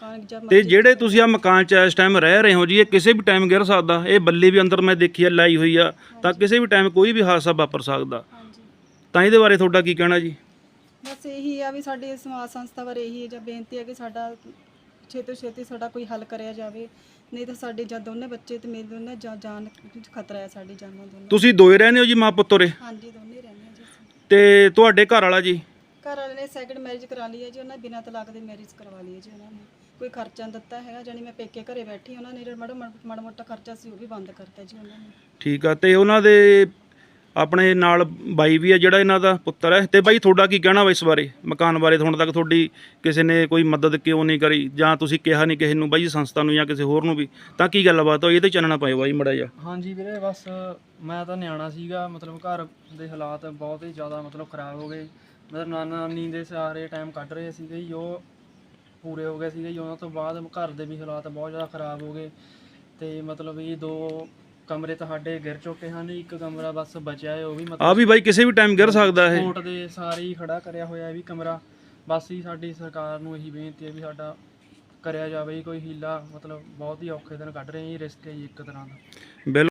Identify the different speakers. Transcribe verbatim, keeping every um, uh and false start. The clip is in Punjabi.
Speaker 1: ਮਕਾਨ ਜਦ
Speaker 2: ਤੇ ਜਿਹੜੇ ਤੁਸੀਂ ਆ ਮਕਾਨ 'ਚ ਇਸ ਟਾਈਮ ਰਹਿ ਰਹੇ ਹੋ ਜੀ, ਇਹ ਕਿਸੇ ਵੀ ਟਾਈਮ ਗਿਰ ਸਕਦਾ। ਇਹ ਬੱਲੀ ਵੀ ਅੰਦਰ ਮੈਂ ਦੇਖੀ ਆ ਲਾਈ ਹੋਈ ਆ, ਤਾਂ ਕਿਸੇ ਵੀ ਟਾਈਮ ਕੋਈ ਵੀ ਹਾਦਸਾ ਵਾਪਰ ਸਕਦਾ।
Speaker 1: ਹਾਂਜੀ
Speaker 2: ਤਾਂ ਇਹਦੇ ਬਾਰੇ ਤੁਹਾਡਾ ਕੀ ਕਹਿਣਾ ਜੀ?
Speaker 1: ਬਸ ਇਹੀ ਆ ਵੀ ਸਾਡੀ ਸਮਾਜ ਸੰਸਥਾ ਬਾਰੇ ਇਹੀ ਜਾਂ ਬੇਨਤੀ ਹੈ ਕਿ ਸਾਡਾ ਛੇਤੀ ਤੋਂ ਛੇਤੀ ਸਾਡਾ ਕੋਈ ਹੱਲ ਕਰਿਆ ਜਾਵੇ, ਨਹੀਂ ਤਾਂ ਸਾਡੇ ਜਾਂ ਦੋਨੇ ਬੱਚੇ ਤੇ ਮੇਰੇ ਦੋਨੇ ਜਾਂ ਜਾਨ ਖਤਰਾ ਹੈ, ਸਾਡੀ ਜਾਨਾਂ ਦੋਨੇ।
Speaker 2: ਤੁਸੀਂ ਦੋਏ ਰਹਿੰਦੇ ਹੋ ਜੀ, ਮਾਂ ਪੁੱਤ ਉਰੇ?
Speaker 1: ਹਾਂਜੀ ਦੋਨੇ ਰਹਿੰਦੇ ਆ ਜੀ ਅਸੀਂ।
Speaker 2: ਤੇ ਤੁਹਾਡੇ ਘਰ ਵਾਲਾ ਜੀ?
Speaker 1: ਘਰ ਵਾਲੇ ਨੇ ਸੈਕਿੰਡ ਮੈਰਿਜ ਕਰਾ ਲਈ ਹੈ ਜੀ, ਉਹਨਾਂ ਬਿਨਾਂ ਤਲਾਕ ਦੇ ਮੈਰਿਜ ਕਰਵਾ ਲਈ ਹੈ ਜੀ ਉਹਨਾਂ ਨੇ। ਕੋਈ ਖਰਚਾ ਨਹੀਂ ਦਿੱਤਾ ਹੈਗਾ, ਜਾਨੀ ਮੈਂ ਪੇਕੇ ਘਰੇ ਬੈਠੀ, ਉਹਨਾਂ ਨੇ ਜਿਹੜਾ ਮਾੜਾ ਮਾੜਾ ਮੋਟਾ ਖਰਚਾ ਸੀ ਉਹ ਵੀ ਬੰਦ ਕਰਤਾ ਜੀ ਉਹਨਾਂ ਨੇ।
Speaker 2: ਠੀਕ ਆ। ਤੇ ਉਹਨਾਂ ਦੇ ਆਪਣੇ ਨਾਲ ਬਾਈ ਵੀ ਆ ਜਿਹੜਾ ਇਹਨਾਂ ਦਾ ਪੁੱਤਰ ਹੈ। ਤੇ ਬਾਈ ਤੁਹਾਡਾ ਕੀ ਕਹਿਣਾ ਵਾ ਇਸ ਬਾਰੇ, ਮਕਾਨ ਬਾਰੇ? ਹੁਣ ਤੱਕ ਤੁਹਾਡੀ ਕਿਸੇ ਨੇ ਕੋਈ ਮਦਦ ਕਿਉਂ ਨਹੀਂ ਕਰੀ, ਜਾਂ ਤੁਸੀਂ ਕਿਹਾ ਨਹੀਂ ਕਿਸੇ ਨੂੰ ਬਾਈ ਸੰਸਥਾ ਨੂੰ ਜਾਂ ਕਿਸੇ ਹੋਰ ਨੂੰ ਵੀ, ਤਾਂ ਕੀ ਗੱਲਬਾਤ ਹੋਈ? ਇਹ ਤੇ ਚਾਨਣਾ ਪਾਇਓ ਬਾਈ ਮੜਾ ਜਾ।
Speaker 3: ਹਾਂਜੀ ਵੀਰੇ, ਬਸ ਮੈਂ ਤਾਂ ਨਿਆਣਾ ਸੀਗਾ, ਮਤਲਬ ਘਰ ਦੇ ਹਾਲਾਤ ਬਹੁਤ ਹੀ ਜ਼ਿਆਦਾ ਮਤਲਬ ਖ਼ਰਾਬ ਹੋ ਗਏ। ਮਤਲਬ ਨਾਨਾ ਨਾਨੀ ਦੇ ਸਾਰੇ ਟਾਈਮ ਕੱਢ ਰਹੇ ਸੀਗੇ ਜੀ, ਉਹ ਪੂਰੇ ਹੋ ਗਏ ਸੀਗੇ ਜੀ। ਉਹਨਾਂ ਤੋਂ ਬਾਅਦ ਘਰ ਦੇ ਵੀ ਹਾਲਾਤ ਬਹੁਤ ਜ਼ਿਆਦਾ ਖ਼ਰਾਬ ਹੋ ਗਏ, ਤੇ ਮਤਲਬ ਇਹ ਦੋ ਕਮਰੇ ਤਾਂ ਸਾਡੇ ਗਿਰ ਚੁੱਕੇ ਹਨ, ਇੱਕ ਕਮਰਾ ਬਸ ਬਚਿਆ ਹੈ, ਉਹ ਵੀ
Speaker 2: ਆ
Speaker 3: ਮਤਲਬ
Speaker 2: ਵੀ ਬਾਈ ਕਿਸੇ ਵੀ ਟਾਈਮ ਗਿਰ ਸਕਦਾ ਇਹ।
Speaker 3: ਕੋਰਟ ਦੇ ਸਾਰੇ ਹੀ ਖੜਾ ਕਰਿਆ ਹੋਇਆ ਇਹ ਵੀ ਕਮਰਾ। ਬਸ ਹੀ ਸਾਡੀ ਸਰਕਾਰ ਨੂੰ ਇਹੀ ਬੇਨਤੀ ਹੈ ਵੀ ਸਾਡਾ ਕਰਿਆ ਜਾਵੇ ਜੀ ਕੋਈ ਹੀਲਾ, ਮਤਲਬ ਬਹੁਤ ਹੀ ਔਖੇ ਦਿਨ ਕੱਢ ਰਹੇ ਜੀ, ਰਿਸਕ ਹੈ ਜੀ ਇੱਕ ਤਰ੍ਹਾਂ ਦਾ।
Speaker 2: ਬਿਲਕੁਲ।